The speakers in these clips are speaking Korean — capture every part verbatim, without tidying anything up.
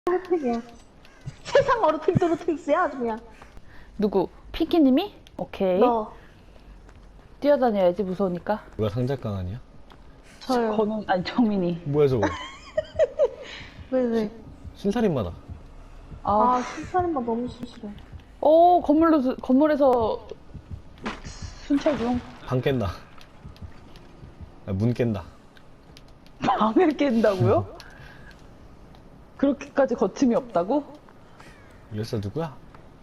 핫팩이야. 세상 어루팅 도루팅스야 아주 그냥. 누구? 피키님이? 오케이. 너. 뛰어다녀야지 무서우니까. 누가 상작강 아니야? 저요. 건우 아니 정민이. 뭐야 저거? 왜 왜? 신살인마다. 아, 아 신사림만 너무 싫어. 오 건물로 건물에서 순찰 중. 방 깬다. 아, 문 깬다. 방을 깬다고요? 그렇게까지 거침이 없다고? 열사 누구야?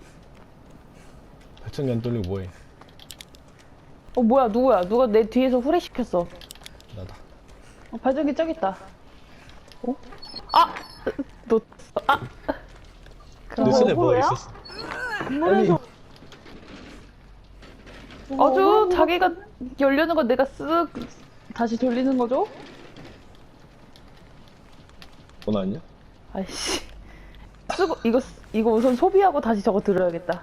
발전기 안 돌리고 뭐해? 어 뭐야 누구야? 누가 내 뒤에서 후레시켰어. 나다. 어, 발전기 저기 있다. 어? 아! 너 아! 내 손에 뭐가 뭐야? 있었어? 건물에서. 아주 자기가 열려는 거 내가 쓱 다시 돌리는 거죠? 전화 아니야? 아이씨. 쓰고 이거 쓰- 이거 우선 소비하고 다시 저거 들어야겠다.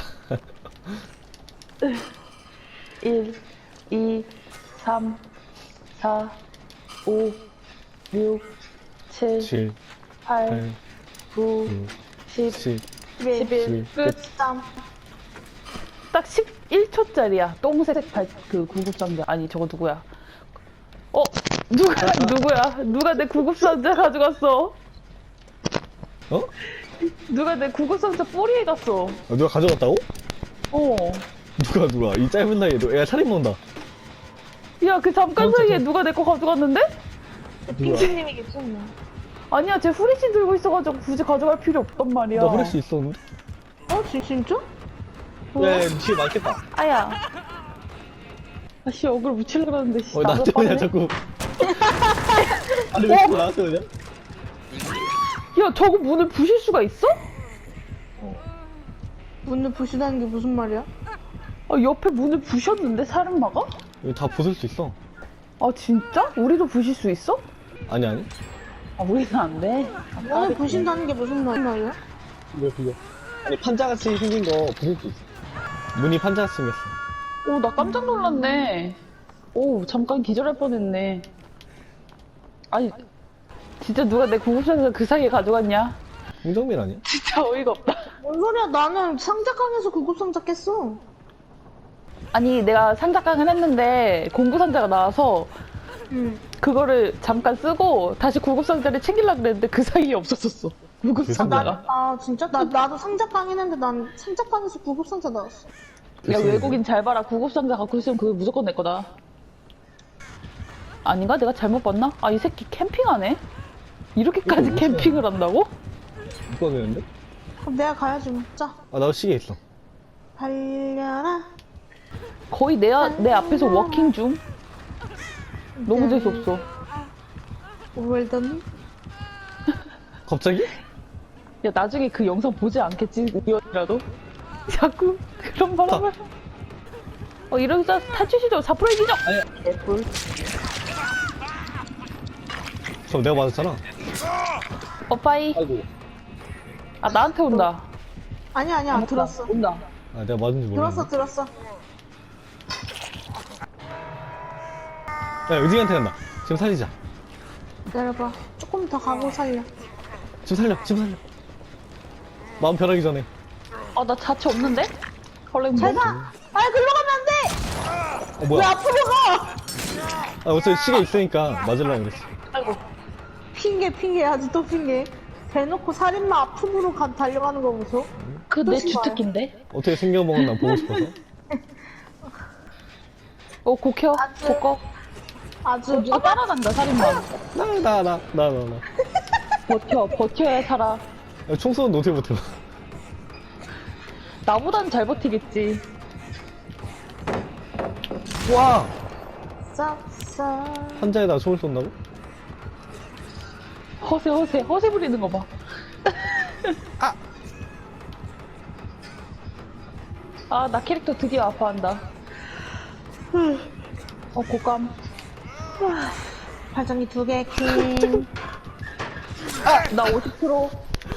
일, 이, 삼, 사, 오, 육, 칠, 칠, 팔, 팔, 구, 구, 십, 십, 십일. 십일. 끝. 땀. 딱 십일 초짜리야. 똥색 발, 그 구급상자. 아니, 저거 누구야? 어? 누가, 누구야? 누가 내 구급상자 가져갔어? 어? 누가 내 구급상자 뿌리에 갔어? 아, 누가 가져갔다고? 어. 누가 누가? 이 짧은 나이에도 애가 살인 먹는다. 야, 그 잠깐 어, 사이에 잠깐. 누가 내 거 가져갔는데? 핑크님이겠지 뭐. 아니야, 쟤 후레쉬 들고 있어가지고 굳이 가져갈 필요 없단 말이야. 나 후레쉬 있었는데? 어 진, 진짜? 야, 야, 뒤에 맞겠다. 아야. 아씨, 얼굴 묻히려고 그러는데, 씨. 어, 나한테 그냥 자꾸. 아니, 왜 자꾸 나한테 그냥? 야, 저거 문을 부실 수가 있어? 문을 부시다는 게 무슨 말이야? 아, 옆에 문을 부셨는데, 사람마가? 이거 다 부술 수 있어. 아, 진짜? 우리도 부실 수 있어? 아니, 아니. 아, 우리는 안 돼. 문을 부신다는 게 무슨 말- 말이야? 이거, 그거. 아니, 판자같이 생긴 거 부술 수 있어. 문이 판자같이 생겼어. 오, 나 깜짝 놀랐네. 오, 잠깐 기절할 뻔했네. 아니, 진짜 누가 내 구급상자 그 사이에 가져갔냐? 홍정민 아니야? 진짜 어이가 없다. 뭔 소리야? 나는 상자강에서 구급상자 깼어. 아니, 내가 상자깡을 했는데 공구상자가 나와서 응. 그거를 잠깐 쓰고 다시 구급상자를 챙기려고 그랬는데 그 사이에 없어졌어. 구급상자가. 아 진짜? 나 나도 상자강 했는데 난 상자강에서 구급상자 나왔어. 야, 외국인 잘 봐라. 구급상자 갖고 있으면 그거 무조건 내 거다. 아닌가? 내가 잘못 봤나? 아, 이 새끼 캠핑하네? 이렇게까지 이거 캠핑을 한다고? 누가 되는데? 그럼 내가 가야지 뭐. 자, 아, 나도 시계 있어. 달려라. 거의 내, 아- 내 앞에서 워킹 중. 너무 재수없어. 웰던. 갑자기? 야, 나중에 그 영상 보지 않겠지? 우연이라도? 자꾸 그런 바람을. 어, 이러면서 탈출 시도 사 퍼센트 기적! 아니야. 애플. 저 내가 맞았잖아. 어, 빠이. 아이고. 아, 나한테 온다. 아니야 아니야 들었어. 온다. 아, 내가 맞은지 몰랐네. 들었어 들었어. 야, 의진이한테 간다. 지금 살리자. 기다려봐. 조금 더 가고 살려. 지금 살려, 지금 살려. 마음 변하기 전에. 아, 나 자체 없는데? 헐랭 뭐? 잘 가. 아 글로 가면 안 돼. 어, 왜 뭐야. 앞으로 가? 아, 어차피 시계 있으니까 맞으려고 그랬어. 아이고. 핑계 핑계 아직도 핑계. 대놓고 살인마 앞으로 가, 달려가는 거 보소. 그 내 또 신발. 주특기인데? 어떻게 생겨먹었나 보고 싶어서. 어, 고켜. 아주- 고꺼. 아주 어, 누가 따라간다, 살인마. 나, 나, 나, 나, 나, 나. 버텨, 버텨야 살아. 야, 총 쏘는데 어떻게 버텨? 나보단 잘 버티겠지. 와! 싹싹. 환자에다 총을 쏜다고? 허세, 허세, 허세 부리는 거 봐. 아! 아, 나 캐릭터 드디어 아파한다. 어, 고감. 발전기 두 개 킹. 아, 나 오십 퍼센트.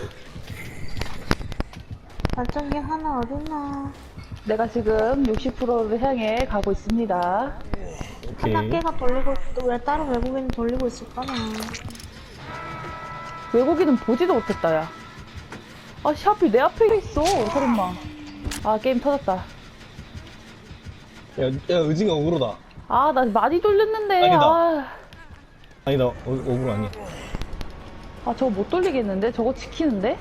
발전기 하나 어딨나? 내가 지금 육십 퍼센트를 향해 가고 있습니다. 오케이. 하나 깨가 돌리고 있고 왜 따로 외국인이 돌리고 있을까나. 외국인은 보지도 못했다, 야. 아, 씨, 하필 내 앞에 있어, 살인마. 아, 게임 터졌다. 야, 야, 의징이 억울하다. 아, 나 많이 돌렸는데. 아니다. 아, 아니다, 어, 억울 아니야. 아, 저거 못 돌리겠는데? 저거 지키는데?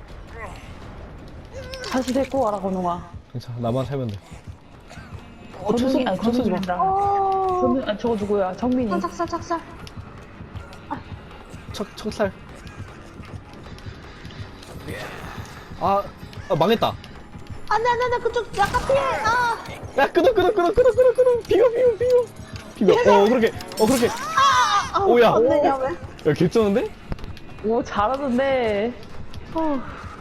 다시 데리고 와라, 건웅아. 괜찮아, 나만 살면 돼. 어, 건웅이, 아니, 건웅이 쏘지 마. 된다. 어. 건웅, 아니, 저거 누구야? 정민이. 착살, 착살. 척, 척살. 아, 아, 망했다. 안 돼, 안 돼, 안 돼. 그쪽 약간 피해. 아. 야, 끊어, 끊어, 끊어, 끊어, 끊어, 끊어. 비벼, 비벼, 비벼. 비벼. 어, 그렇게, 어, 그렇게. 아, 오야. 안 되냐, 왜? 야, 개쩌는데? 오, 잘하던데. 어,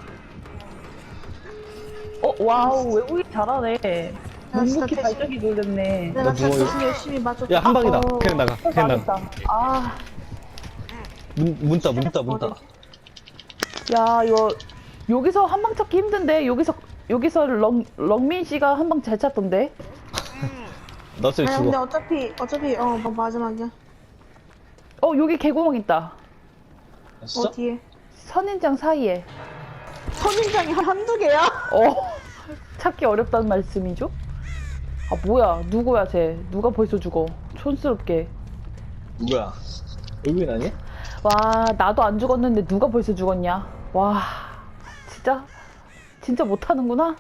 어 와우, 외국인 잘하네. 나 진짜 묵묵히 대신- 발전기 돌렸네. 내가 나 진짜 누워요. 대신 열심히 맞췄다. 야, 한 방이다. 어. 그냥 나가. 어, 그냥 나가. 망했다. 아, 문, 문따, 문따, 문따. 야, 이거, 여기서 한 방 찾기 힘든데? 여기서, 여기서 렁, 렁민 씨가 한 방 잘 찾던데? 나 저기 아니, 근데 죽어. 어차피, 어차피, 어, 뭐 마지막이야. 어, 여기 개구멍 있다. 아, 진짜? 어디에? 선인장 사이에. 선인장이 한두 개야? 어, 찾기 어렵다는 말씀이죠? 아, 뭐야. 누구야, 쟤. 누가 벌써 죽어. 촌스럽게. 누구야? 외국인 아니야? 와, 나도 안 죽었는데 누가 벌써 죽었냐? 와, 진짜, 진짜 못하는구나?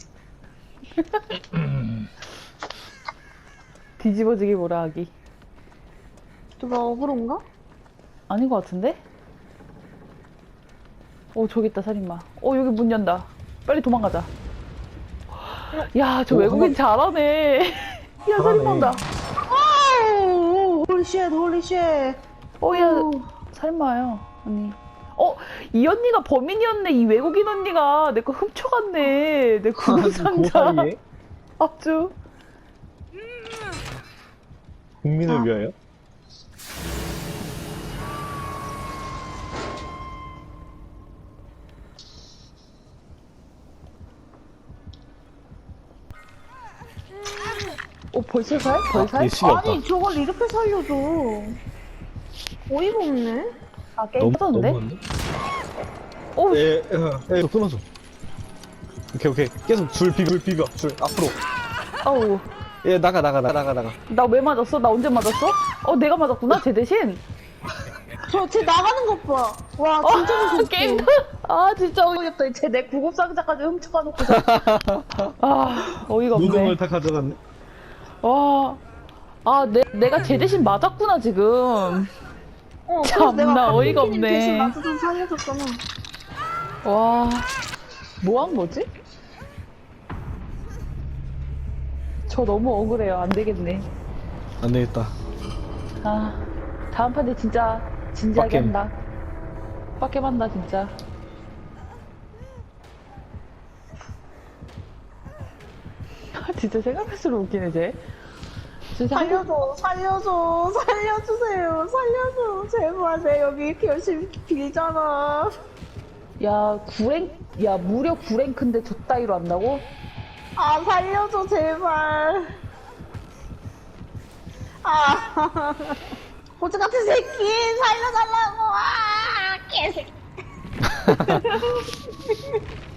뒤집어지기 뭐라 하기. 누가 억울한가? 아닌 것 같은데? 어, 저기 있다, 살인마. 어, 여기 문 연다. 빨리 도망가자. 야, 저 오, 외국인 잘하네. 야, 살인마 온다. 아우, 홀리쉣, 홀리쉣. 어, 야, 오. 살인마예요, 언니. 어, 이 언니가 범인이었네. 이 외국인 언니가 내 거 훔쳐갔네. 내 그 구급상자. 사이에 아주. 국민을 아. 위하여? 어, 벌써 살? 벌살? 아, 얘 시계 없다. 아니, 저걸 이렇게 살려줘. 어이가 없네. 아, 게임 터졌는데? 너무한데? 어, 예, 예, 예, 끊어줘. 오케이, 오케이. 계속 줄 비벼, 줄 비벼, 줄 앞으로. 아우. 예, 나가, 나가, 나가, 나가, 나가. 나 왜 맞았어? 나 언제 맞았어? 어, 내가 맞았구나, 쟤 대신. 저, 쟤 나가는 것 봐. 와, 어, 진짜 무섭다. 게임. 아, 진짜 어이없다. 쟤 내 구급상자까지 훔쳐가 놓고. 아, 어이가 모든 없네. 걸 다 가져갔네. 와. 아, 내, 내가 쟤 대신 맞았구나, 지금. 어, 그래서 참나 내가 어이가 박민기님 없네. 대신 나도 좀 살려줬잖아. 와. 뭐 한 거지? 저 너무 억울해요. 안 되겠네. 안 되겠다. 아, 다음 판에 진짜 진지하게 빡겜. 한다. 빡겜 한다, 진짜. 진짜 생각할수록 웃기네, 쟤. 진짜 한- 살려줘, 살려줘, 살려주세요, 살려줘. 제발, 내 여기 이렇게 열심히 빌잖아. 야, 구랭, 야, 무려 구랭크인데 저 따위로 한다고? 아, 살려줘, 제발. 아, 호주 같은 새끼, 살려달라고. 아, 개새끼.